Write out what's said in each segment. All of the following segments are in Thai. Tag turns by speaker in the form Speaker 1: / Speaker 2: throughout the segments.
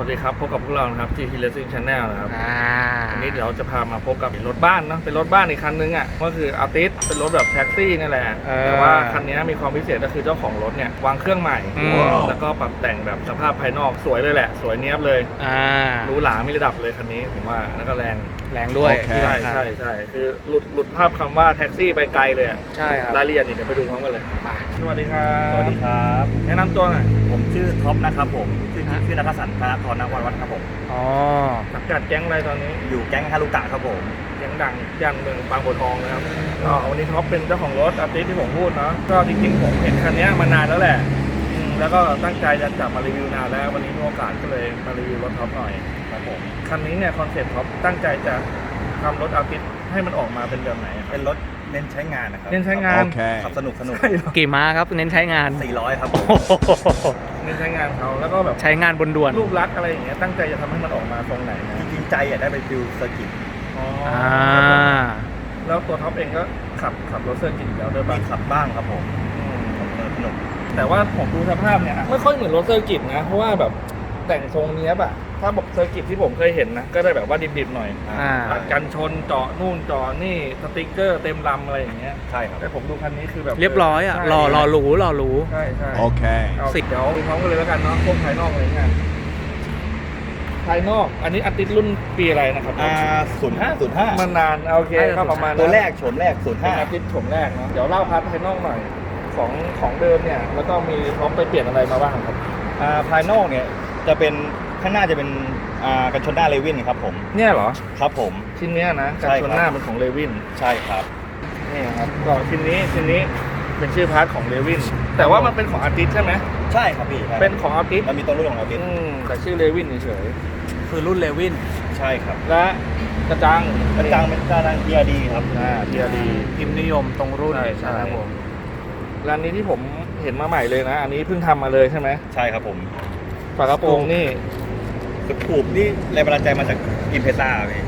Speaker 1: วัสดีครับพบกับพวกเรานะครับ GT Racing Channel นะครับวันนี้เดี๋ยวจะพามาพบกับรถบ้านเนาะเป็นรถบ้านอีกคันนึงอ่ะก็คือAltisเป็นรถแบบแท็กซี่นี่แหละแต่ว่าคันนี้มีความพิเศษก็คือเจ้าของรถเนี่ยวางเครื่องใหม่แล้วก็ปรับแต่งแบบสภาพภายนอกสวยเลยแหละสวยเนี้ยบเลยหรูหรามีระดับเลยคันนี้ผมว่าแล้วก็แรง
Speaker 2: ด้วย
Speaker 1: ใช่คือหลุดภาพคำว่าแท็กซี่ไปไกลเลย
Speaker 2: ใช่ครับ
Speaker 1: รายละเอียดเดี๋ยวไปดูพร้อมกันเลยสวัสดีครับ
Speaker 3: สวัสดีครับ
Speaker 1: แนะนำตัวหน่อย
Speaker 3: ผมชื่อท็อปนะครับผมชื่อนัทสันธนทรนวัฒน์ครับผม
Speaker 1: สังกัดแก๊งอะไรตอนนี้
Speaker 3: อยู่แก๊งฮารุกะครับผม
Speaker 1: แก๊งดังย่านเมืองบางบัวทองนะครับก็วันนี้ท็อปเป็นเจ้าของรถAltisที่ผมพูดเนาะก็จริงๆผมเห็นคันนี้มานานแล้วแหละแล้วก็ตั้งใจจะจับมารีวิวนานแล้ววันนี้มีโอกาสก็เลยมารีวิวรถท็อปหน่อย
Speaker 3: ครับผม
Speaker 1: คันนี้เนี่ยคอนเซ็ปต์ท็อปตั้งใจจะทำรถAltisให้มันออกมาเป็นแบบไหน
Speaker 3: เป็นรถเน้นใช้งานนะครับ
Speaker 1: เน้นใช้งาน
Speaker 3: ขับสนุก
Speaker 2: กี่ม้าครับเน้นใช้งาน
Speaker 3: 400ครับ
Speaker 1: เน้นใช้งานเขาแล้วก็แบบ
Speaker 2: ใช้งานบนด่วน
Speaker 1: รูปลักษณ์อะไรอย่างเงี้ยตั้งใจจะทำให้มันออกมาตรงไหนนะ
Speaker 3: จริงๆใจอยากได้ไปฟิลเซอร์กิต
Speaker 1: แล้วตัวท็อปเองก็ขับรถเซอร์กิตแล้วด้วย
Speaker 3: มีขับบ้างครับผมสนุก
Speaker 1: แต่ว่าผมดูสภาพเนี่ยไม่ค่อยเหมือนรถเซอร์กิตนะเพราะว่าแบบแต่งทรงเนี้ยแบบถ้าแบบเซอร์กิตที่ผมเคยเห็นนะก็ได้แบบว่าดิบๆหน่อยกันชนเจาะนู่นเจาะนี่สติ๊กเกอร์เต็มลำอะไรอย่างเงี้ย
Speaker 3: ใช่ครับ
Speaker 1: แต่ผมดูคันนี้คือแบบ
Speaker 2: เรียบร้อยอ่ะรอรู้
Speaker 1: ใช่
Speaker 3: โอเค
Speaker 1: เดี๋ยวดูพร้อมกันเลยแล้วกันเนาะพวกภายนอกอะไรเงี้ยภายนอกอันนี้Altisรุ่นปีอะไรนะครับ
Speaker 3: 05
Speaker 1: มันนานโอเคก็ประมาณ
Speaker 3: ตัวแรกโฉมแรก
Speaker 1: Altisโฉมแรกเนาะเดี๋ยวเล่าพาร์ทภายนอกหน่อยของเดิมเนี่ยแล้วก็มีพร้อมไปเปลี่ยนอะไรมาบ้างครับ
Speaker 3: ภายนอกเนี่ยจะเป็นข้างหน้าจะเป็นกันชนหน้าเลวินครับผม
Speaker 1: เนี่ยเหรอ
Speaker 3: ครับผม
Speaker 1: ชิ้นนี้นะกันชนหน้าเป็นของเลวิน
Speaker 3: ใช่ครับ
Speaker 1: นี่ครับก็ชิ้นนี้เป็นชื่อพาร์ทของเลวินแต่ว่ามันเป็นของAltisใช่ไหม
Speaker 3: ใช่ครับพี่
Speaker 1: เป็นของAltis
Speaker 3: มันมีตัวรุ่นของAltis
Speaker 1: แต่ชื่อเลวินเฉย
Speaker 2: คือรุ่นเลวิน
Speaker 3: ใช่ครับ
Speaker 1: และกระจัง
Speaker 3: เป็นกระจัง PRD ครับ
Speaker 1: PRD
Speaker 2: พิมพ์นิยมตรงรุ่น
Speaker 1: ใช่ครับผมร้านนี้ที่ผมเห็นมาใหม่เลยนะอันนี้เพิ่งทำมาเลยใช่ไหม
Speaker 3: ใช่ครับผม
Speaker 1: ฝากระโปรงนี่
Speaker 3: สกูปนี่แรงบันดาลใจมาจากอิมเพซ่าพี่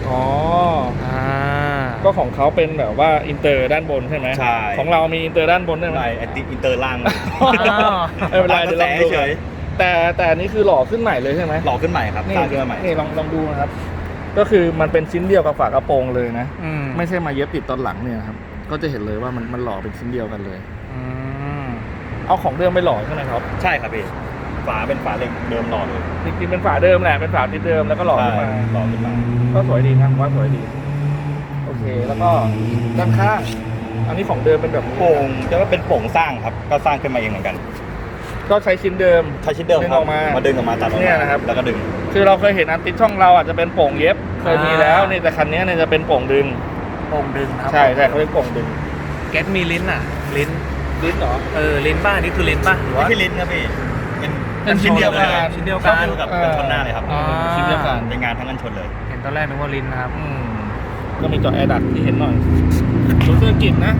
Speaker 1: ก็ของเขาเป็นแบบว่าอินเตอร์ด้านบนใช่ไหม
Speaker 3: ใช่
Speaker 1: ของเรามีอินเตอร์ด้านบนด้วยไหม
Speaker 3: อินเตอร์ล่าง
Speaker 1: ไม่เป็นไรเดี๋ยวลองดูแต่อันนี้คือหล่อขึ้นใหม่เลยใช่ไหม
Speaker 3: หล่อขึ้นใหม่ครับ
Speaker 1: สร้างขึ้นมาใหม่นี่ลองดูนะครับก็คือมันเป็นชิ้นเดียวกับฝากระโปรงเลยนะไม่ใช่มาเย็บติดตอนหลังเนี่ยครับก็จะเห็นเลยว่ามันหล่อเป็นชิ้นเดียวกันเลยเอาของเดิมไปหล่อใช่ไหมครับ
Speaker 3: ใช่ครับพี่ฝาเป็นฝาเหล็กเดิมหล่อเลย
Speaker 1: จริงๆเป็นฝาเดิมแหละเป็นฝาที่เดิมแล้วก็หล่อขึ้นมาก็สวยดีนะว่าสวยดีโอเคแล้วก็ด้านข้างอันนี้ของเดิมเป็นแบบ
Speaker 3: โป่งจะว่าเป็นโป่งสร้างครับก็สร้างขึ้นมาเองเหมือนกัน
Speaker 1: ก็ใช้ชิ้นเดิม
Speaker 3: ครับมาดึงออกมาตัดออกมา
Speaker 1: นะครับ
Speaker 3: แล้วก็ดึง
Speaker 1: คือเราเคยเห็นAltisช่องเราอาจจะเป็นโป่งเย็บเคยมีแล้วนี่แต่คันนี้เนี่ยจะเป็นโป่งดึง
Speaker 2: ครับ
Speaker 1: ใช่เขาเรียกโป่งดึง
Speaker 2: แก๊สมีลิ้นลิ้น
Speaker 1: เหรอ
Speaker 2: ลิ้นบ้านี่คือลิ้นป่ะ
Speaker 3: ไม่ใช่ลิ้นครับพี่
Speaker 1: เป็นชิ้นเดียวกัน
Speaker 3: กับกันชนหน้าเลยครับ
Speaker 1: ชิ้นเดียวกัน
Speaker 3: เป็นงานทั้งกันชนเลย
Speaker 2: เห็นตอนแรกนึกว่าลิ้นนะครับ
Speaker 1: ก็มีจอแอร์ดักที่เห็นหน่อยรถเซอร์กิตนะ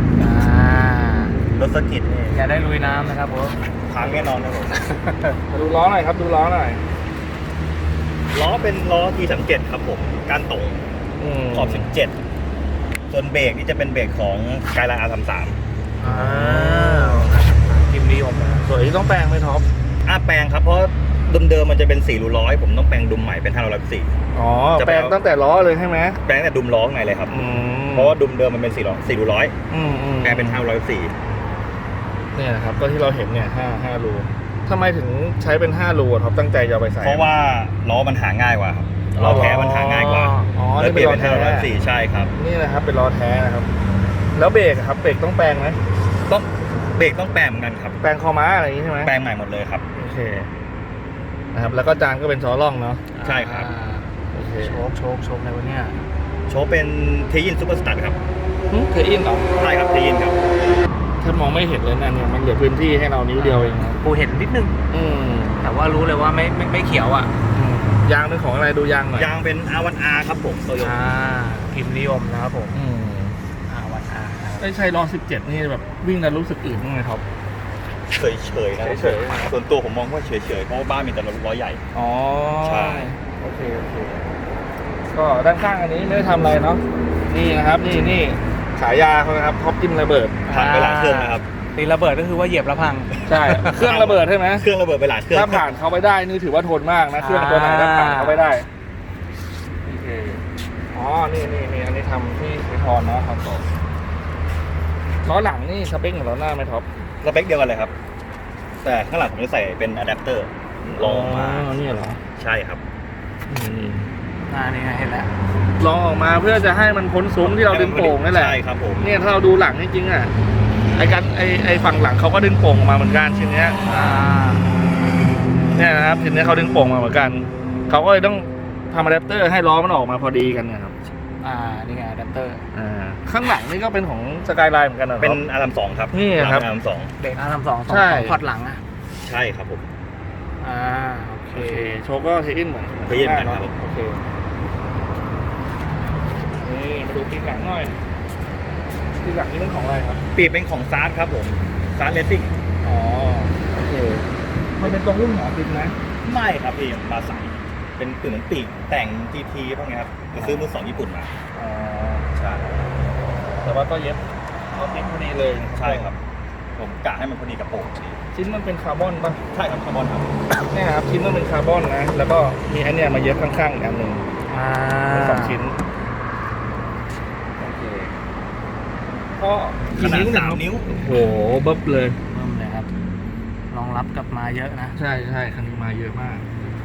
Speaker 3: รถเซอร์กิต
Speaker 2: อย่าได้ลุยน้ำนะครับผม
Speaker 3: พังแน่นอนครับผม
Speaker 1: มาดูล้อหน่อยครับดูล้อหน่อย
Speaker 3: ล้อเป็นล้อT37ครับผมการตรงขอบ17ส่วนเบรกนี่จะเป็นเบรกของไกด์ไลน์ R33
Speaker 2: พิมพ์นิยม
Speaker 1: ส่วนนี้ต้องแปลงไหมท็อป
Speaker 3: แปลงครับเพราะเดิมมันจะเป็น400ผมต้องแปลงดุมใหม่เป็น514
Speaker 1: แปลงตั้งแต่ล้อเลยใช่ไหม
Speaker 3: แปลงแต่ดุมล้อไงเลยครับเพราะว่าดุมเดิมมันเป็น400แปลงเป็น514
Speaker 1: เนี่ยนะครับก็ที่เราเห็นเนี่ย5รูทำไมถึงใช้เป็น5รูท็อปตั้งใจจะไปใส่
Speaker 3: เพราะว่าล้อมันหาง่ายกว่าครับล้อแท้มันหาง่ายกว่า
Speaker 1: เลยเปลี่ยนเป็น
Speaker 3: 514ใช่ครับ
Speaker 1: นี่นะครับเป็นล้อแท้นะครับแล้วเบรกครับเบรกต้องแปลงไหม
Speaker 3: ต้องเบรกต้องแปลงเหมือนกันครับ
Speaker 1: แปลงคอม้าอะไรอย่างนี้ใช่ไหม
Speaker 3: แปลงใหม่หมดเลยครับ
Speaker 1: โอเคนะครับแล้วก็จานก็เป็นซอล่องเนาะ
Speaker 3: ใช่ครับ
Speaker 1: โอเค
Speaker 2: โชคในวันนี้
Speaker 3: โชคเป็นเทยินซูเปอร์สตาร์ครับ
Speaker 1: เทยินเหรอ
Speaker 3: ใช่ครับเทยินครับ
Speaker 1: ถ้ามองไม่เห็นเลยนะเนี่ยมันเหลือพื้นที่ให้เรานิ้วเดียวเอง
Speaker 2: กูเห็นนิดนึงแต่ว่ารู้เลยว่าไม่เขียวอ่ะ
Speaker 1: ยางเป็นของอะไรดูยางหน่อย
Speaker 3: ยางเป็น R1R ครับผมโตโยต้า
Speaker 2: พิมพ์นิยมนะครับผม
Speaker 1: R1R ไม่ใช่ล้อ17นี่แบบวิ่งแล้วรู้สึกอื่นบ้างไหมครับ
Speaker 3: เฉยนะส่วนตัวผมมองว่าเฉยเพราะว่าบ้านมีแต่ล้อใหญ่
Speaker 1: ใช่โอเคก็ด้านข้างอันนี้ไม่ได้ทำอะไรเนาะนี่นะครับนี่ฉายาเขานะครับท็อปจิ้มระเบิด
Speaker 3: ผ่านไปหลายเครื่องนะครับ
Speaker 2: เตีระเบิดก็คือว่าเหยียบแล้วพัง
Speaker 1: ใช่ เครื่องระเบิดใช่ไหม
Speaker 3: เครื่องระเบิดไปหลายเครื่อง
Speaker 1: ถ้าผ่านเขาไปได้นี่ถือว่าทนมากนะ เครื่องตัวไหนถ้าผ่านเขาไปได้โอเคอ๋อนี่อันนี้ทำที่วิทอนนะครับต่อล้อหลังนี่สเปคของล้อหน้าไหมท็อป
Speaker 3: สเปคเดียวกันเลยครับ แต่ข้างหลังผมจะใส่เป็นอะแดปเตอร์ลองมา
Speaker 1: นี่เหรอ
Speaker 3: ใช่ครับ
Speaker 2: นี่ไงเห็นแล้ว
Speaker 1: ลองออกมาเพื่อจะให้มันพ้นซุ้มที่เราดึงโป่งนั่นแหละ
Speaker 3: ใช่ครับผม
Speaker 1: เนี่ยถ้าเราดูหลังจริงๆอ่ะไอ้ฝั่งหลังเขาก็ดึงโป่งออกมาเหมือนกันชิ้นเนี้ยเนี่ยนะครับชิ้นเนี้ยเขาดึงโป่งมาเหมือนกันเขาก็เลยต้องทำอะแดปเตอร์ให้ล้อมันออกมาพอดีกันเนี่ยครับ
Speaker 2: นี่ไงอะแดปเตอร์
Speaker 1: ข้างหลังนี่ก็เป็นของสกายไลน์เหมือนกันเหรอ
Speaker 3: เป็นอารัม2ครับ
Speaker 1: นี่ครับ
Speaker 3: อารัม2
Speaker 2: เบรกR32
Speaker 1: ใช่
Speaker 2: พอร์ตหลังอ่ะ
Speaker 3: ใช่ครับผม
Speaker 2: โอ
Speaker 1: โอ
Speaker 2: เค
Speaker 1: เคโชว์ก็เทอินเหมือน
Speaker 3: เทอินเหมือนกันครับ
Speaker 1: โอเคนี่มาดูปีกหลังหน่อยปีกหลังนี่เป็นของอะไรครับ
Speaker 3: ปีกเป็นของซาร์ดครับผมซาร์ดเลสซิ่ง
Speaker 1: อ๋อโอเคมันเป็นตรงรุ่นหมอติดนะ
Speaker 3: ไม่ครับพี่มาใส่เป็นเหมือนปีกแต่ง GT พวกนี้ครับไปซื้อมือสองญี่ปุ่นมา
Speaker 1: อ๋อ
Speaker 3: ใช่
Speaker 1: แต่ว่าก็เย็บก็ติดพอดีเลย
Speaker 3: ใช่ครับ ผมกะให้มันพอดีกับโป่งพอดี
Speaker 1: ชิ้นมันเป็นคาร์บอนป่ะ
Speaker 3: ใช่ครับคาร์บอนครับ
Speaker 1: เนี่ยครับชิ้นมันเป็นคาร์บอนนะแล้วก็มีไอเนี่ยมาเย็บข้างๆอีกอันหนึ่งเป็นสองชิ้นโอเคก็
Speaker 3: ขนาด
Speaker 1: เย
Speaker 3: 3 นิ้ว
Speaker 1: โอ้โหเบิบเลย
Speaker 2: เพิ่มเลยครับรองรับกับมาเยอะนะ
Speaker 1: ใช่คันนี้มาเยอะมาก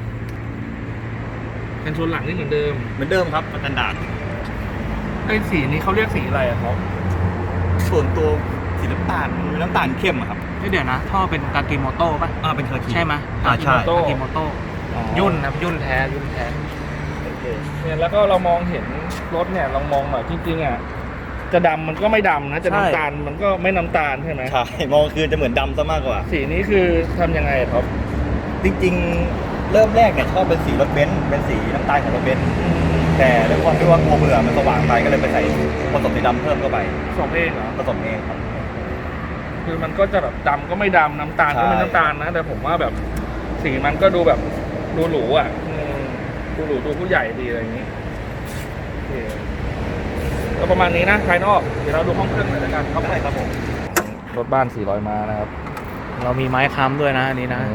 Speaker 1: เป็นชนหลังนี่เหมือนเดิม
Speaker 3: เหมือนเดิมครับมาตรฐาน
Speaker 1: ไอ้สีนี้เขาเรียกสีอะไรอะครับ
Speaker 3: ส่วนตัวสีน้ำตาลมันเป็นน้ำตาลเข้มอะครับ
Speaker 2: เดี๋ยวนะท่อเป็นกากิโมโต้ป่ะ
Speaker 3: เป็นเคอร์คิ
Speaker 2: ใช่ไหม
Speaker 3: ใช่
Speaker 2: กากิโมโต้ยุ่นครับยุ่นแท้ยุ่นแท้
Speaker 1: โอเคเนี่ยแล้วก็เรามองเห็นรถเนี่ยเรามองหน่อยจริงๆอ่ะจะดำมันก็ไม่ดำนะจะน้ำตาลมันก็ไม่น้ำตาลใช่ไหม
Speaker 3: ใช่มองคืนจะเหมือนดำซะมากกว่า
Speaker 1: สีนี้คือทำยังไงอะครับ
Speaker 3: จริงๆ เริ่มแรกเนี่ยชอบเป็นสีรถเบนซ์เป็นสีน้ำตาลของรถเบนซ์แต่ด้วยความที่ว่ากลัวเบื่อมันสว่างไปก็เลยไปใส่ผสมสีดำเพิ่มเข้าไป
Speaker 1: สองเองเหรอ
Speaker 3: ผสมเองครับ
Speaker 1: คือมันก็จะแบบดำก็ไม่ดำน้ำตาลก็ไม่
Speaker 3: ใช่
Speaker 1: น้ำตาลนะแต่ผมว่าแบบสีมันก็ดูแบบดูหรูอ่ะดูหรูดูผู้ใหญ่ดีอะไรอย่างนี้โอเคก็ประมาณนี้นะภายนอกเดี๋ยวเราดูห้องเครื่องหน่อยละกันครับ
Speaker 3: ได้ครับผม
Speaker 1: รถบ้าน400ม้านะครับ
Speaker 2: เรามีไม้ค้ำด้วยนะอันนี้นะ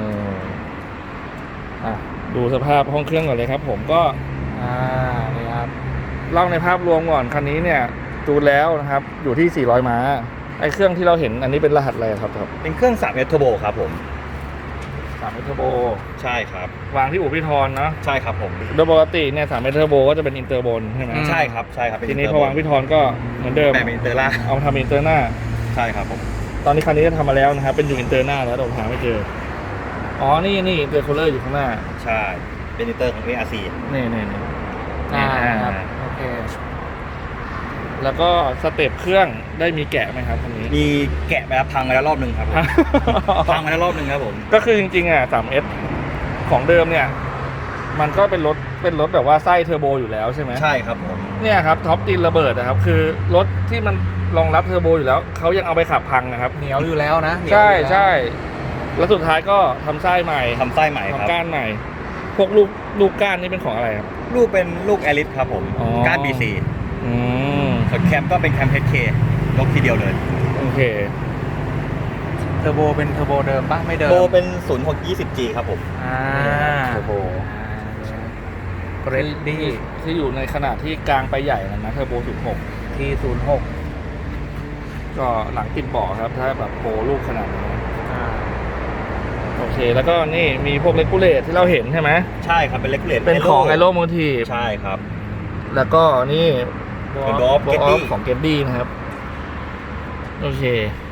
Speaker 1: ดูสภาพห้องเครื่องก่อนเลยครับ ผมก็
Speaker 2: นี่ครับ
Speaker 1: เล่าในภาพรวมก่อนคันนี้เนี่ยดูแล้วนะครับอยู่ที่400ม้าไอ้เครื่องที่เราเห็นอันนี้เป็นรหัสอะไรครับครับ
Speaker 3: เป็นเครื่อง3 S Turbo ครับผม
Speaker 1: 3 เทอร์โบ
Speaker 3: ใช่ครับ
Speaker 1: วางที่อู่พี่ทอนเนาะ
Speaker 3: ใช่ครับผม
Speaker 1: โดยปกติเนี่ย3 เทอร์โบก็จะเป็นอินเตอร์บนใช่ไหม
Speaker 3: ใช่ครับใช่ครับเป็
Speaker 1: ทีนี้
Speaker 3: Turbo
Speaker 1: พอวางพี่ทอนก็เหมือนเดิม
Speaker 3: แต่เป็นอินเตอร์ล่า
Speaker 1: เอามาทำอินเตอร์หน้า
Speaker 3: ใช่ครับผม
Speaker 1: ตอนนี้คันนี้จะทำมาแล้วนะครับเป็นอยู่อินเตอร์หน้าแล้วแต่ผมหาไม่เจออ๋อนี่อินเตอร์คูลเลอร์อยู่ข้างหน้า
Speaker 3: ใช่เป็นอินเตอร์ของ ARC
Speaker 1: นี่
Speaker 2: ครับโอเค
Speaker 1: แล้วก็สเต็ปเครื่องได้มีแกะไหมครับคันนี้
Speaker 3: มีแกะไปแล้วพังไปแล้วรอบหนึ่งครับผมพังไปแล้วรอบหนึ่งครับผม
Speaker 1: ก็คือจริงๆอ่ะ 3S ของเดิมเนี่ย มันก็เป็นรถแบบว่าไส้เทอร์โบอยู่แล้วใช่ไหม
Speaker 3: ใช่ครับผม
Speaker 1: เนี่ยครับท็อปตีนระเบิดนะครับ คือรถที่มันรองรับเทอร์โบอยู่แล้วเขายังเอาไปขับพังนะครับ
Speaker 2: เหนียวอยู่แล้วนะเหนียว
Speaker 1: ใช่
Speaker 2: อยู่แล้ว
Speaker 1: ใช่แล้วสุดท้ายก็ทำไส้ใหม่
Speaker 3: ทำไส้ใหม่ครับ
Speaker 1: ทำก้านใหม่ พวกลูกก้านนี่เป็นของอะไรครับ
Speaker 3: ลูกเป็นลูกแอลิสครับผม
Speaker 1: อ๋อ
Speaker 3: ก้าน BC
Speaker 1: อืม
Speaker 3: ส่วนแคมก็เป็นแคม HK ยกทีเดียวเลย
Speaker 1: โอเค
Speaker 2: เทอร์โบเป็นเทอร์โบเดิมป่ะไม่เดิม
Speaker 3: โบเป็น 0620G ครับผม
Speaker 1: โอ้โห
Speaker 2: เกรดดี้
Speaker 1: ที่อยู่ในขนาดที่กลางไปใหญ่นะเทอร์โบ16
Speaker 2: ที่06
Speaker 1: ก็หลังติดเบาะครับ ถ้าแบบโปรลูกขนาดนี้โอเค แล้วก็นี่มีพวกเลกูเลตที่เราเห็นใช่ไหม
Speaker 3: ใช่ครับเป็นเลกูเลต
Speaker 1: เป็นของไอโรโมทีฟ
Speaker 3: ใช่ครับ
Speaker 1: แล้วก็นี่
Speaker 3: เป็น Door of Getty
Speaker 1: ของเกตดี้นะครับ โอเค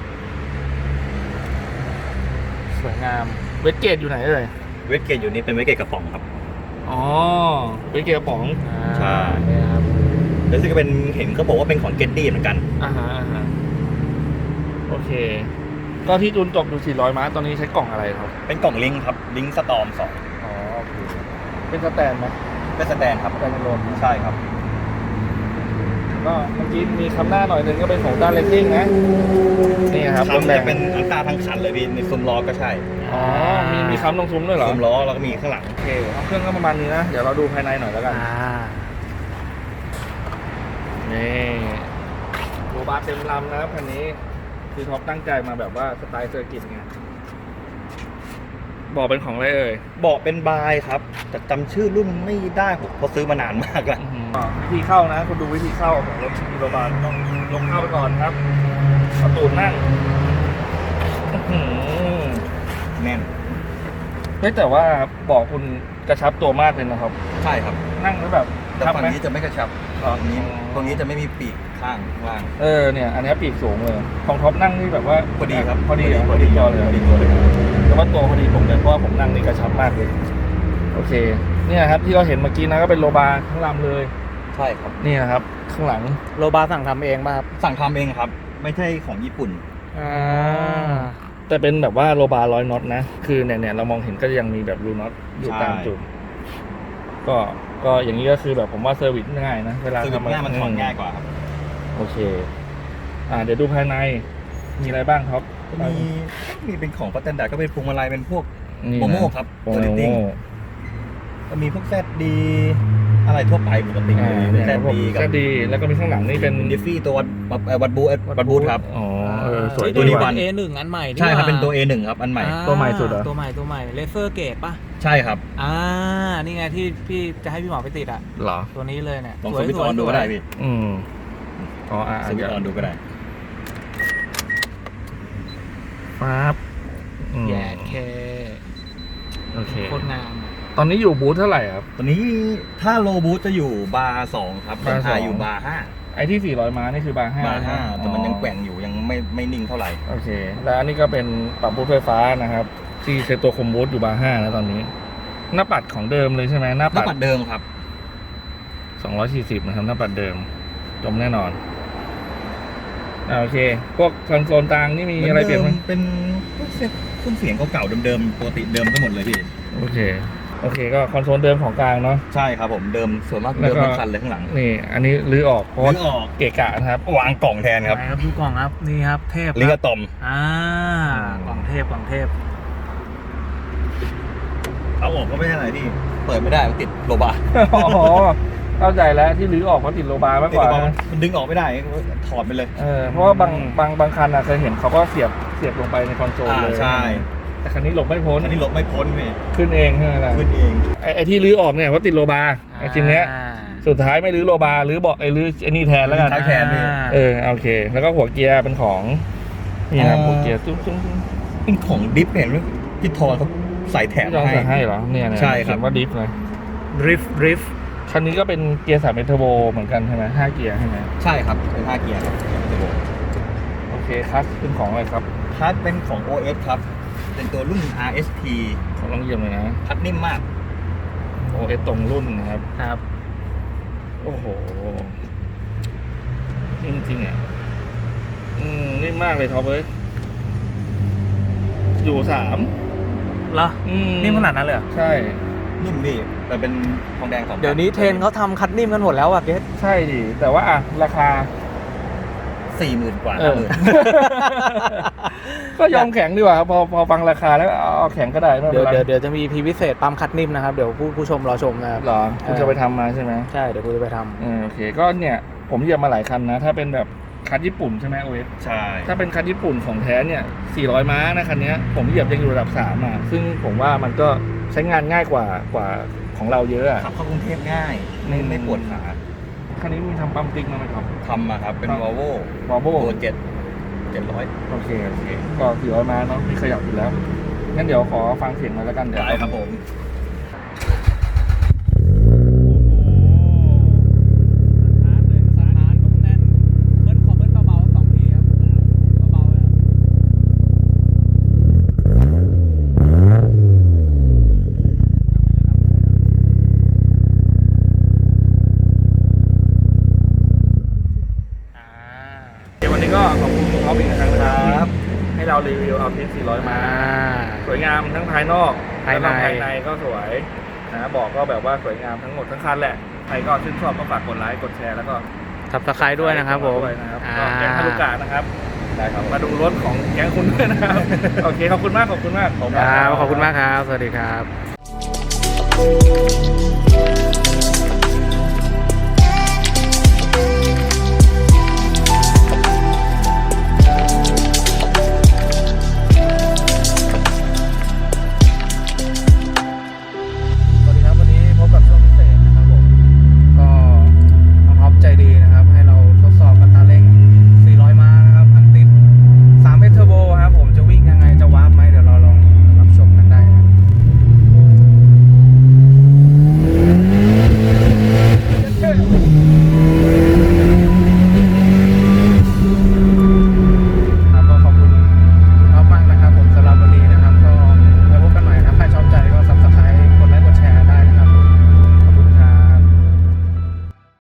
Speaker 2: สวยงาม
Speaker 1: เวทเกตอยู่ไหนเอ่ย
Speaker 3: เวทเกตอยู่นี่เป็นเวทเกตกระป๋องครับ
Speaker 1: อ๋อเวทเกตกระป๋อง
Speaker 3: ใช่
Speaker 2: นี่ครับ
Speaker 3: แล้วซึ่งก็เป็นเห็นเขาบอกว่าเป็นของเกตตี้เหมือนกัน
Speaker 1: อ่าฮะโอเค ก็ที่จูนจบอยู่400ม้าตอนนี้ใช้กล่องอะไรครับ
Speaker 3: เป็นกล่องลิงก์ครับลิงก์สตอม2
Speaker 1: อ๋อโอเคเป็นสแตนไหม
Speaker 3: เป็นสแตนครับ
Speaker 1: สแตนโลน
Speaker 3: ใช่ครับ
Speaker 1: ก็เมื่อกี้มีคำหน้าหน่อยหนึงก็เป็นของด้านเลสซิ่งนะนี่ครับ
Speaker 3: คำจะเป็นอันตราทั้งคันเลยพี่ในซุ้มล้อก็ใช่
Speaker 1: อ๋อมีคำตรงซุ้มด้วยเหรอ
Speaker 3: ซุ้มล้อแล้วก็มีข้างหลัง
Speaker 1: โอเคเอาเครื่องก็ประมาณนี้นะ เดี๋ยวเราดูภายในหน่อยแล้วกัน นี่โรบาร์เต็มลำนะครับคันนี้คือท็อปตั้งใจมาแบบว่าสไตล์เซอร์กิตไงบอกเป็นของอะไรเอ่ย
Speaker 3: เบาะเป็นบายครับแต่จำชื่อรุ่นไม่ได้ผมเพราะซื้อมานานมากแล้ว
Speaker 1: วิธีเข้านะคุณดูวิธีเข้าของรถมีโรบาลต้องลงเข้าไปก่อนครับเอาตูดนั่งอื้อหือ
Speaker 3: แน่น
Speaker 1: เฮ้ยแต่ว่าบอกคุณกระชับตัวมากเลยนะครับ
Speaker 3: ใช่ครับ
Speaker 1: นั่งแล้วแบบ
Speaker 3: แต่
Speaker 1: ชับ
Speaker 3: ฝั่ง
Speaker 1: ไหม
Speaker 3: นี้จะไม่กระชับ
Speaker 1: อ๋อ
Speaker 3: ตรงนี้จะไม่มีปีกข้างล่าง
Speaker 1: เนี่ยอันนี้ปีกสูงเลยของท็อปนั่งนี่แบบว่า
Speaker 3: พอดีครับ
Speaker 1: พอดีเหรอพอดีจอเลย
Speaker 3: พอดีตัวเลย
Speaker 1: แต่ว่าตัวพอดีผมเลยเพราะว่าผมนั่งนี่กระชับมากเลยโอเคเนี่ยครับที่เราเห็นเมื่อกี้นะก็เป็นโลบาร์ทั้งลำเลย
Speaker 3: ใช่ครับ
Speaker 1: นี่นะครับข้างหลัง
Speaker 2: โรบาสั่งทำเองป่ะครับ
Speaker 3: สั่งทำเองครับ ไม่ใช่ของญี่ปุ่น
Speaker 1: แต่เป็นแบบว่าโลบาร์100น็อตนะคือเนี่ยเรามองเห็นก็ยังมีแบบรูน็อตอยู่ตามจุดก็อย่างนี้ก็คือแบบผมว่าเซอร์วิสง่ายนะเวลา
Speaker 3: คือ
Speaker 1: ทำ
Speaker 3: ง่ายมันถอนง่ายกว่าครับ
Speaker 1: โอเคเดี๋ยวดูภายในมีอะไรบ้างครับ
Speaker 3: มีเป็นของพัตเตนดาก็เป็นพวงมาลัยเป็นพวก
Speaker 1: นี่
Speaker 3: โม
Speaker 1: นะ
Speaker 3: โม่ครับ
Speaker 1: โม
Speaker 3: ตัวลิติ้ง
Speaker 1: โม่
Speaker 3: ก็มีพวกแซดดีอะไรทั่วไปปกติเลย
Speaker 1: เนี่ย
Speaker 3: แซด
Speaker 1: พวก
Speaker 3: ดีกับ
Speaker 1: ก็ดีแล้วก็มีข้างหลังนี่เป็น
Speaker 3: ดิฟฟี่ตัววัดบูทครับ
Speaker 1: อ๋อสวย
Speaker 3: ตัวนี้
Speaker 1: ดี
Speaker 3: วั
Speaker 1: ว่ะ
Speaker 3: น
Speaker 2: A1 อันใหม่
Speaker 3: ใช่ครับเป็นตัว A1 ครับอันใหม่
Speaker 1: ตัวใหม่สุดเหรอ
Speaker 2: ตัวใหม่เลเซอร์เกตป่ะ
Speaker 3: ใช่ครับ
Speaker 2: นี่ไงที่พี่จะให้พี่หมอไปติดอ่ะ
Speaker 1: เหรอ
Speaker 2: ตัวนี้เลยเนี่ย
Speaker 3: ลองสวิตช์ออนดูก็ได้พี่
Speaker 1: อ๋อ
Speaker 3: สวิตช์ออนดูก็ได้
Speaker 1: ปั๊บ
Speaker 2: แย่เค
Speaker 1: โอเค
Speaker 2: โคตรงามอะ
Speaker 1: ตอนนี้อยู่บูธเท่าไหร่ครับ
Speaker 3: ตัวนี้ถ้าโลบูทจะอยู่บาร์2ครับ
Speaker 1: บาร์
Speaker 3: ไทย
Speaker 1: 2
Speaker 3: อยู่บาร์
Speaker 1: ไอ้ที่400ม้านี่คือบาร์5
Speaker 3: 5บาร์5แต่มันยังแกว่งอยู่ยังไม่นิ่งเท่าไหร่
Speaker 1: โอเค แล้วอันนี้ก็เป็นปรับบูธไฟฟ้านะครับ ที่เซตตัวคอมบูธอยู่บาร์5นะตอนนี้ หน้าปัดของเดิมเลยใช่ไหมหน้า
Speaker 3: หน้า
Speaker 1: ปัด
Speaker 3: ปัดเดิมครับ
Speaker 1: 240นะครับหน้าปัดเดิมจมแน่นอนโอเค พวกคอนโซลต่างนี่มีอะไรเปลี่ยนไหม
Speaker 3: เป็นเครื่องเสียงเก่าๆเดิมๆปกติเดิมทั้งหมดเลยพี่
Speaker 1: โอเคก็คอนโซลเดิมของกลางเนาะ
Speaker 3: ใช่ครับผมเดิมส่วนมาก
Speaker 1: แล้ว
Speaker 3: เดิม
Speaker 1: ก็
Speaker 3: ทั้งคันเลยข้างหลัง
Speaker 1: นี่ อันนี้รื้อออกเพราะว่า
Speaker 3: รื้อออก
Speaker 1: เกะกะนะครับ
Speaker 3: วางกล่องแทนครับ
Speaker 2: ไหนครับดูกล่องครับนี่ครับเทพ
Speaker 3: ลิง
Speaker 2: ค
Speaker 3: ก์
Speaker 2: รับ
Speaker 3: อะตอม
Speaker 2: กล่องเทพ
Speaker 3: เอาออกก็ไม่ใช่อะไรพี่เปิดไม่ได้มันติดโลบาร์
Speaker 1: อ๋อเข้าใจแล้วที่รื้อออกเพราะติดโลบาร์มาก
Speaker 3: ติด
Speaker 1: กว่า
Speaker 3: โลบาร์
Speaker 1: นะ
Speaker 3: มันดึงออกไม่ได้ถอดไปเลย
Speaker 1: เพราะว่าบางคันอะเคยเห็นเขาก็เสียบลงไปในคอนโซลเลย
Speaker 3: ใช่
Speaker 1: แต่คันนี้หลบไม่พ้น
Speaker 3: อันนี้หลบไม่พ้นพี่
Speaker 1: ขึ้นเองใช่ไหมล่ะ
Speaker 3: ขึ้นเอง
Speaker 1: ไอ้ที่รื้อออกเนี่ยเพราะติดโลบาร์ไอ้ชิ้นเนี้ยสุดท้ายไม่รื้อโลบาร์รื้อเบาะรื้อไอ้นี่แทนแล้วกัน
Speaker 3: ท้ายแทนพี่
Speaker 1: โอเค แล้วก็หัวเกียร์เป็นของนี่นะหัวเกียร์ตุ้ง
Speaker 3: เป็นของดิฟเห็นไหมที่ทอเขาใส่แถม
Speaker 1: ที่เรา
Speaker 3: ให้
Speaker 1: ใส่ให้เหรอเนี่ย
Speaker 3: ใช่ครับ
Speaker 1: เขียนว่าดิฟเลย
Speaker 2: ริฟ
Speaker 1: คันนี้ก็เป็นเกียร์3 เป็นเทอร์โบเหมือนกันใช่ไหม5 เกียร์ใช่ไหม
Speaker 3: ใช่ครับเป็น5เกียร์ครับ
Speaker 1: โอเคคัสเป็นของอะไรครับ
Speaker 3: คัสเป็นของ OS ครับเป็นตัวรุ่น RST
Speaker 1: ขอลองเยี่ยมเลยนะ
Speaker 3: คัสนิ่มมาก
Speaker 1: OS ตรงรุ่นนะครับ
Speaker 2: ครับ
Speaker 1: โอ้โหนิ่มจริงอ่ะนิ่มมากเลยท็อปเอ้ยอยู่3
Speaker 2: เหรอนิ่มขนาดนั้นเลยเหรอ
Speaker 1: ใช่
Speaker 3: นิ่มพี่แต่เป็นทองแดง2
Speaker 2: เดี๋ยวนี้เทรนเขาทำคัดนิ่มกันหมดแล้วอ่ะเกส
Speaker 1: ใช่ดิแต่ว่าราคา
Speaker 3: 40,000 กว่า
Speaker 1: ก็ยอมแข็งดีกว่าพอฟังราคาแล้วเอาแข็งก็ได้ไม่
Speaker 2: เดี๋
Speaker 1: เป็
Speaker 2: ยวน
Speaker 1: ไร
Speaker 2: เดี๋ยวจะมีพีพิเศษปั๊มคัดนิ่มนะครับเดี๋ยวผู้ชมรอชมนะครับ
Speaker 1: หรอคุณจะไปทำมาใช่ไหม
Speaker 2: ใช่เดี๋ยวกูจะไปทำ
Speaker 1: โอเคก็เนี่ยผมเหยียบมาหลายคันนะ ถ้าเป็นแบบคันญี่ปุ่นใช่ไหมโอเอส
Speaker 3: ใช่
Speaker 1: ถ้าเป็นคันญี่ปุ่นของแท้เนี่ย400 ม้านะคันนี้ผมเหยียบยังอยู่ระดับ3อ่ะซึ่งผมว่ามันก็ใช้งานง่ายกว่าของเราเยอะอ่ะ
Speaker 3: ขับเข้ากรุงเทพง่ายไม่ปวดขา
Speaker 1: คันนี้มีทำปั๊มติ๊กมาไหมครับ
Speaker 3: ทำมาครับเป็น Volvo ตัว700
Speaker 1: โอเคก็400 ม้าเนาะมีขยับอยู่แล้วงั้นเดี๋ยวขอฟังเสียงหน่อยแล้วกันเดี๋ยว
Speaker 3: ได้ครับผม
Speaker 1: วันนี้ก็ขอบคุณคุณท็อปอีกครั้งนะครับให้เรารีวิวเอาทิส400 ม้าสวยงามทั้งภายนอก
Speaker 2: ภายใน
Speaker 1: แล้วก็ภายในก็สวยนะบอกก็แบบว่าสวยงามทั้งหมดทั้งคันแหละใครก็ชื่นชอบก็ฝากกดไลค์กดแชร์แล้วก็
Speaker 2: ทับสไครด้วยนะครับผม
Speaker 1: ด้วยนะครับก็แก๊งฮารุกะนะครับได้ครับมาดูรถของแก๊งคุณด้วยนะครับ โอเคขอบคุณมากขอบคุณมาก
Speaker 2: ขอบคุณมากครับ สวัสดีครับ